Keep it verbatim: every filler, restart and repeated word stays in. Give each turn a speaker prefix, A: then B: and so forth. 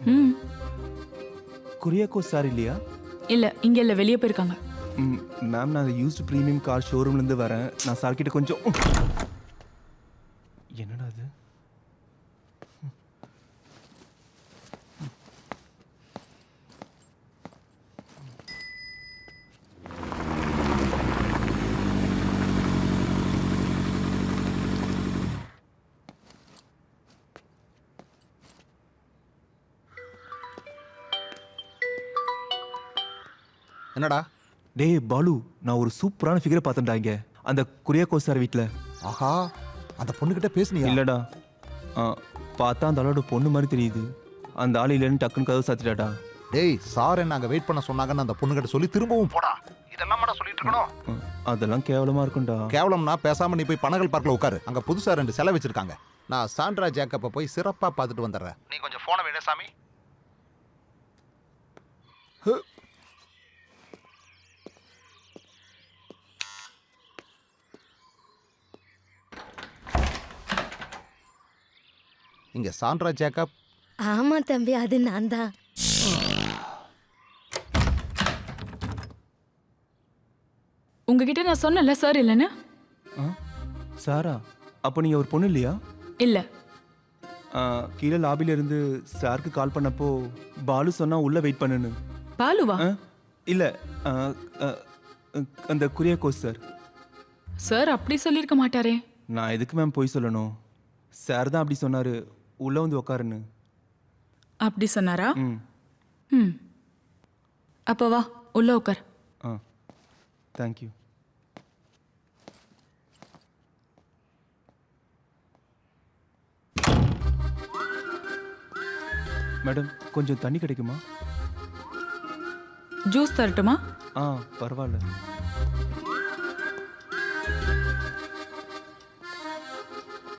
A: ம்
B: குரியாக்கோ சார் இல்லையா?
A: இல்ல இங்க இல்ல, வெளியே போயிருக்காங்க.
B: ம் மேம், நான் யூஸ்டு ப்ரீமியம் கார் ஷோரூம்லேருந்து வரேன். நான் சார் கிட்ட கொஞ்சம் என்னடா அது?
C: என்னடா?
B: டேய் பாலு, நான் ஒரு சூப்பரான ஃபிகரை பார்த்தேன்டா இங்க அந்த குரியாக்கோ சார் வீட்டில்.
C: ஆஹா, அந்த பொண்ணுகிட்ட பேசுனியா?
B: இல்லடா, ஆ, பார்த்தா அந்த ஆளோட பொண்ணு மாதிரி தெரியுது. அந்த ஆள் இல்லைன்னு டக்குன்னு கதவு சாத்திட்டாடா.
C: டேய், சார் என்ன அங்க வெயிட் பண்ண சொன்னாங்கன்னு அந்த பொண்ணுகிட்ட சொல்லி திரும்பவும் போடா. இதெல்லாம் மட்டும் சொல்லிட்டு இருக்கணும்.
B: ம், அதெல்லாம் கேவலமா இருக்கும்டா.
C: கேவலம்னா பேசாம நீ போய் பனகல் பார்க்ல உட்காரு. அங்க புதுசா ரெண்டு சிலை வச்சிருக்காங்க. நான் சாண்ட்ரா ஜேக்கப்பை போய் சிறப்பா பார்த்துட்டு வந்துடுறேன். நீ கொஞ்சம் போனை விட சாமி. இங்க சாண்ட்ரா ஜேக்கப்.
D: ஆமா தம்பி, அது நான் தான்.
A: உங்ககிட்ட நான் சொன்னல சார் இல்லைன்னு.
B: ஆ, சாரா, அப்போ நீங்க ஒரு பொண்ணு இல்லையா?
A: இல்ல.
B: ஆ, கீழே லாபில இருந்து சாருக்கு கால் பண்ணப்போ பாலு சொன்னா உள்ள வெயிட் பண்ணுன்னு.
A: பாலுவா?
B: ஆ, இல்ல, ஆ, ஆ, அந்த குரியாக்கோ சார்.
A: சார் அப்படி சொல்லியிருக்க மாட்டாரே.
B: நான் எதுக்கு மேம் போய் சொல்லணும்? சார் தான் அப்படி சொன்னாரு, உள்ள வந்து உக்காருன்னு.
A: அப்படி சொன்னாரா?
B: ம்
A: ம் அப்போ வா, உள்ள உட்கார்.
B: ஆ, தேங்க்யூ. மேடம், கொஞ்சம் தண்ணி கிடைக்குமா?
A: ஜூஸ் தரட்டுமா?
B: ஆ, பரவாயில்ல.